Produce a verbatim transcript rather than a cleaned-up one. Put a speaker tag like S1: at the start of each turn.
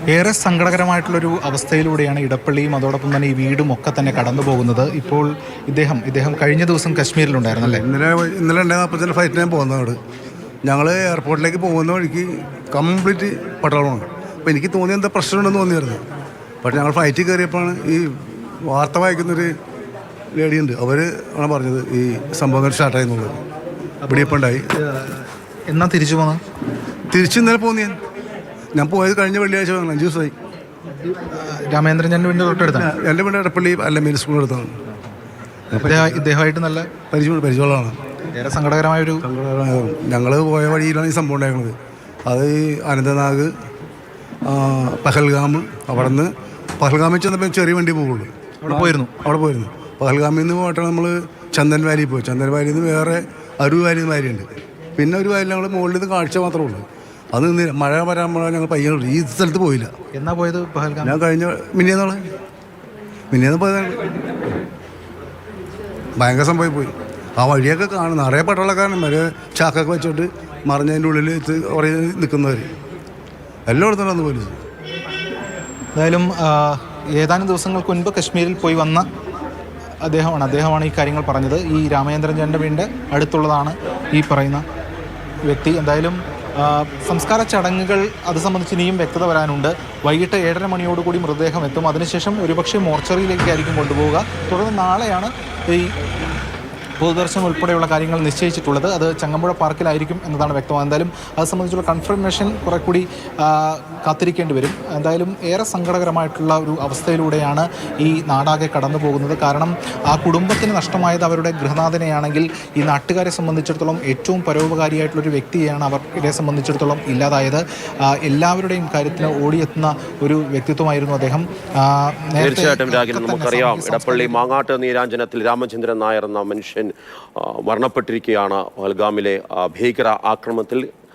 S1: ഏറെ സങ്കടകരമായിട്ടുള്ളൊരു അവസ്ഥയിലൂടെയാണ് ഇടപ്പള്ളിയും അതോടൊപ്പം തന്നെ ഈ വീടും ഒക്കെ തന്നെ കടന്നു പോകുന്നത്. ഇപ്പോൾ ഇദ്ദേഹം ഇദ്ദേഹം കഴിഞ്ഞ ദിവസം കശ്മീരിലുണ്ടായിരുന്നല്ലേ?
S2: ഇന്നലെ ഇന്നലെ ഉണ്ടായ നാൽപ്പത്തിൻ്റെ ഫ്ലൈറ്റിന് ഞാൻ പോകുന്നതോട് ഞങ്ങൾ എയർപോർട്ടിലേക്ക് പോകുന്ന വഴിക്ക് കംപ്ലീറ്റ് പട്ടാളമാണ്. അപ്പോൾ എനിക്ക് തോന്നിയ എന്താ പ്രശ്നമുണ്ടെന്ന് തോന്നിയായിരുന്നു. പക്ഷേ ഞങ്ങൾ ഫ്ലൈറ്റിൽ കയറിയപ്പോഴാണ് ഈ വാർത്ത വായിക്കുന്നൊരു ലേഡിയുണ്ട്, അവർ ആണ് പറഞ്ഞത് ഈ സംഭവങ്ങൾ സ്റ്റാർട്ടായി എന്നുള്ളത്. ഇവിടെ ഇപ്പം ഉണ്ടായി.
S1: എന്നാ തിരിച്ചു പോകുന്നത്?
S2: തിരിച്ച് ഇന്നലെ പോകുന്ന ഞാൻ ഞാൻ പോയത് കഴിഞ്ഞ വെള്ളിയാഴ്ച അഞ്ച് ദിവസമായി.
S1: രാമേന്ദ്രൻ എൻ്റെ വീടിൻ്റെ തൊട്ടടുത്താണ്.
S2: എൻ്റെ വീട് ഇടപ്പള്ളി അല്ല മെയിൻ സ്കൂളിൽ അടുത്താണ്.
S1: ഇദ്ദേഹമായിട്ട് നല്ല
S2: പരിചയം പരിചയമുള്ളതാണ്.
S1: ഏറെ സങ്കടകരമായൊരു
S2: ഞങ്ങൾ പോയ വഴിയിലാണ് ഈ സംഭവം ഉണ്ടായിരുന്നത്. അത് ഈ അനന്തനാഗ് പഹൽഗാം, അവിടെ നിന്ന് പഹൽഗാമിൽ ചെന്നപ്പോൾ ചെറിയ വണ്ടി പോകുള്ളൂ.
S1: അവിടെ പോയിരുന്നു
S2: അവിടെ പോയിരുന്നു പഹൽഗാമിൽ നിന്ന് പോയിട്ടാണ് നമ്മൾ ചന്ദൻ വാലി പോയി. ചന്ദൻ വാലിയിൽ നിന്ന് വേറെ അരു വാലി എന്ന് വാലിയുണ്ട്. പിന്നെ ഒരു വാലി ഞങ്ങൾ മുകളിൽ നിന്ന് കാഴ്ച മാത്രമേ ഉള്ളൂ. അത് മഴ വരാൻ ഞങ്ങൾ പയ്യനുള്ളൂ. ഈ സ്ഥലത്ത് പോയില്ല.
S1: എന്നാ പോയത് പഹൽഗാം?
S2: ഞാൻ കഴിഞ്ഞ മിനിയെന്നുള്ള മിനിയെന്ന് പോയതാണ്. ഭയങ്കര സംഭവം പോയി. ആ വഴിയൊക്കെ കാണും, നിറയെ പട്ടാളക്കാരൻ വരെ ചാക്കൊക്കെ വെച്ചിട്ട് മറിഞ്ഞതിൻ്റെ ഉള്ളിൽ എത്തി കുറേ നിൽക്കുന്നവർ എല്ലായിടത്തും വന്ന് പോലീസ്.
S1: എന്തായാലും ഏതാനും ദിവസങ്ങൾക്ക് മുൻപ് കശ്മീരിൽ പോയി വന്ന അദ്ദേഹമാണ് അദ്ദേഹമാണ് ഈ കാര്യങ്ങൾ പറഞ്ഞത്. ഈ രാമചന്ദ്രൻ ചേട്ടൻ്റെ വീടിൻ്റെ അടുത്തുള്ളതാണ് ഈ പറയുന്ന വ്യക്തി. എന്തായാലും സംസ്കാര ചടങ്ങുകൾ അത് സംബന്ധിച്ച് ഇനിയും വ്യക്തത വരാനുണ്ട്. വൈകിട്ട് ഏഴര മണിയോടുകൂടി മൃതദേഹം എത്തും. അതിനുശേഷം ഒരുപക്ഷെ മോർച്ചറിയിലേക്കായിരിക്കും കൊണ്ടുപോവുക. തുടർന്ന് നാളെയാണ് ഈ പൊതുദർശനം ഉൾപ്പെടെയുള്ള കാര്യങ്ങൾ നിശ്ചയിച്ചിട്ടുള്ളത്. അത് ചങ്ങമ്പുഴ പാർക്കിലായിരിക്കും എന്നതാണ് വ്യക്തമാകുന്നത്. എന്തായാലും അത് സംബന്ധിച്ചുള്ള കൺഫർമേഷൻ കുറെ കൂടി കാത്തിരിക്കേണ്ടി വരും. എന്തായാലും ഏറെ സങ്കടകരമായിട്ടുള്ള ഒരു അവസ്ഥയിലൂടെയാണ് ഈ നാടാകെ കടന്നു പോകുന്നത്. കാരണം ആ കുടുംബത്തിന് നഷ്ടമായത് അവരുടെ ഗൃഹനാഥനെയാണെങ്കിൽ ഈ നാട്ടുകാരെ സംബന്ധിച്ചിടത്തോളം ഏറ്റവും പരോപകാരിയായിട്ടുള്ളൊരു വ്യക്തിയെയാണ് അവരെ സംബന്ധിച്ചിടത്തോളം ഇല്ലാതായത്. എല്ലാവരുടെയും കാര്യത്തിന് ഓടിയെത്തുന്ന ഒരു വ്യക്തിത്വമായിരുന്നു അദ്ദേഹം.
S3: തീർച്ചയായിട്ടും രാഗിൽ നമുക്കറിയാം, ഇടപ്പള്ളി മാങ്ങാട്ട് നീരാഞ്ജനത്തിൽ രാമചന്ദ്രൻ നായർ എന്ന മനുഷ്യൻ മരണപ്പെട്ടിരിക്കുകയാണ് പഹൽഗാമിലെ ഭീകര ആക്രമണത്തിൽ.